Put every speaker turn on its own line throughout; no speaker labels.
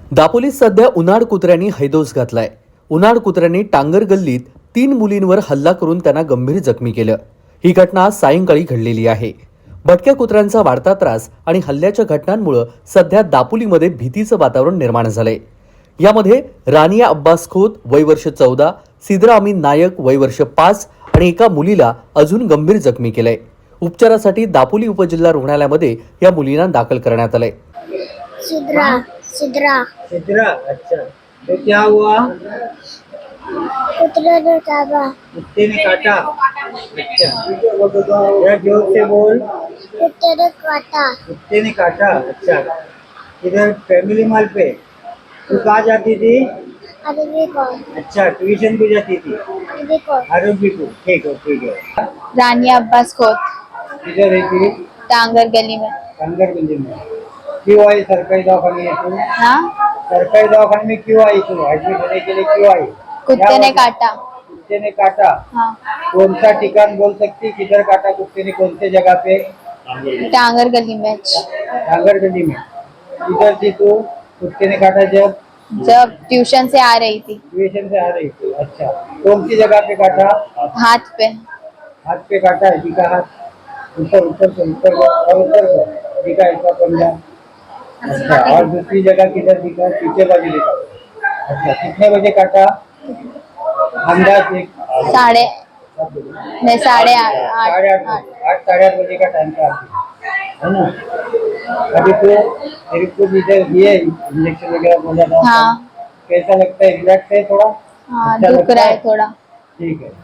दापोलीत सध्या उन्हाळ कुत्र्यांनी हैदोस घातलाय। उन्हाळ कुत्र्यांनी टांगर गल्लीत 3 मुलींवर हल्ला करून त्यांना गंभीर जखमी केलं। ही घटना आज सायंकाळी घडलेली आहे। भटक्या कुत्र्यांचा वाढता त्रास आणि हल्ल्याच्या घटनांमुळे सध्या दापोलीमध्ये भीतीचं वातावरण निर्माण झालंय। यामध्ये रानिया अब्बास खोत वय वर्ष 14, सिद्रा अमीन नायक वय वर्ष 5 आणि एका मुलीला अजून गंभीर जखमी केलंय। उपचारासाठी दापोली उपजिल्हा रुग्णालयामध्ये या मुलींना दाखल करण्यात आलंय।
सिद्रा सिद्रा
सिद्रा, अच्छा। तो क्या हुआ?
कुत्ते ने काटा।
कुत्ते ने काटा। अच्छा, जरा जोर से बोल।
कुत्ते ने काटा।
कुत्ते ने काटा, अच्छा। इधर फैमिली मॉल पे तू कहाँ जाती थी?
अरबी को
अच्छा, ट्यूशन भी जाती थी।
अरबी को
आरोग्य को, ठीक है।
रानिया अब्बास खोत,
किधर रहती?
टांगर गली में।
कंगर गली में। क्यों आई सरकारी दवाखाने में तू?
हाँ,
सरकारी दवाखाने में क्यों आई तू? एडमिट होने के लिए क्यों आई?
कुत्ते ने काटा।
कुत्ते ने काटा।
हाँ,
कौन सा ठिकान बोल सकती? किधर काटा कुत्ते ने? कौन से जगह पे?
टांगर गली में।
डांगर गली में। इधर थी तू? कुत्ते ने काटा
जब ट्यूशन से आ रही थी,
ट्यूशन से आ रही थी। अच्छा, कौन सी जगह पे काटा?
हाथ पे।
हाथ पे काटा है। दिखा हाथ, ऊपर से ऊपर और ऊपर को दिखा, इसका पंजा। अच्छा, और दूसरी जगह किधर दिखा? पीछे बाजू दिखा। अच्छा, कितने बजे काटा? अंदाज एक
साढ़े मैं साढ़े
साढ़े 8
आठ।
बजे, 8 साढ़े 8 बजे का टाइम था आपकी, है ना? अभी तो मेरे को इधर दिए इंजेक्शन वगैरह बोला था।
हाँ,
कैसा लगता है? रिलैक्स है थोड़ा?
हाँ,
अच्छा
दुख
लगता
रहा
है?
है थोड़ा।
ठीक है।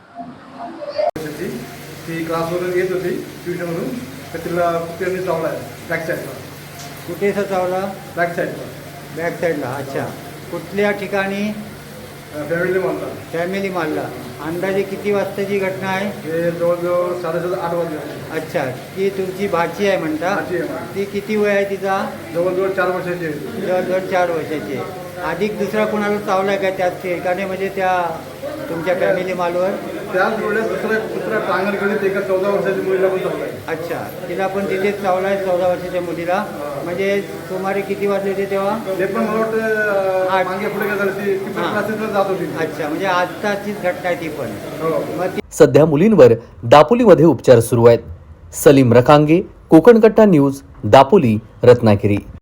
ती क्लासवरून येत होती ट्युशनवरून, तर तिला कुत्र्याने चावला आहे बॅक साईडला.
कुठेसा चावला?
बॅक साईडला
बॅक साईडला. अच्छा, कुठल्या ठिकाणी?
फॅमिली मॉलला.
फॅमिली मॉलला. अंदाजे किती वाजताची घटना आहे?
हे जवळजवळ 7:30-8 वाजले होते.
अच्छा, ती तुमची भाची आहे म्हणता?
भाची आहे माझी.
ती किती वय आहे तिचा?
जवळजवळ 4 वर्षाची आहे ती.
जवळजवळ 4 वर्षाची आहे. अधिक दुसरा कोणाला चावला का त्याच ठिकाणी, म्हणजे त्या तुमच्या फॅमिली मॉलवर?
त्याच वेळेस दुसरा टांगर गलीत एका 14 वर्षाची मुलीला पण चावला आहे.
अच्छा, तिला पण तिथेच चावला आहे 14 वर्षाच्या मुलीला. म्हणजे सुमारे किती वाजले होते तेव्हा?
ते पण मला वाटतं
आठ.
मागे पुढे काय झालं, ती पण
हां.
क्लासेसला जात होती.
अच्छा, म्हणजे आत्ताचीच घटना आहे ती पण.
हो.
मग ती
सध्या मुलींवर दापोलीमध्ये उपचार सुरू आहेत। सलीम रखांगे, कोकण कट्टा न्यूज, दापोली, रत्नागिरी।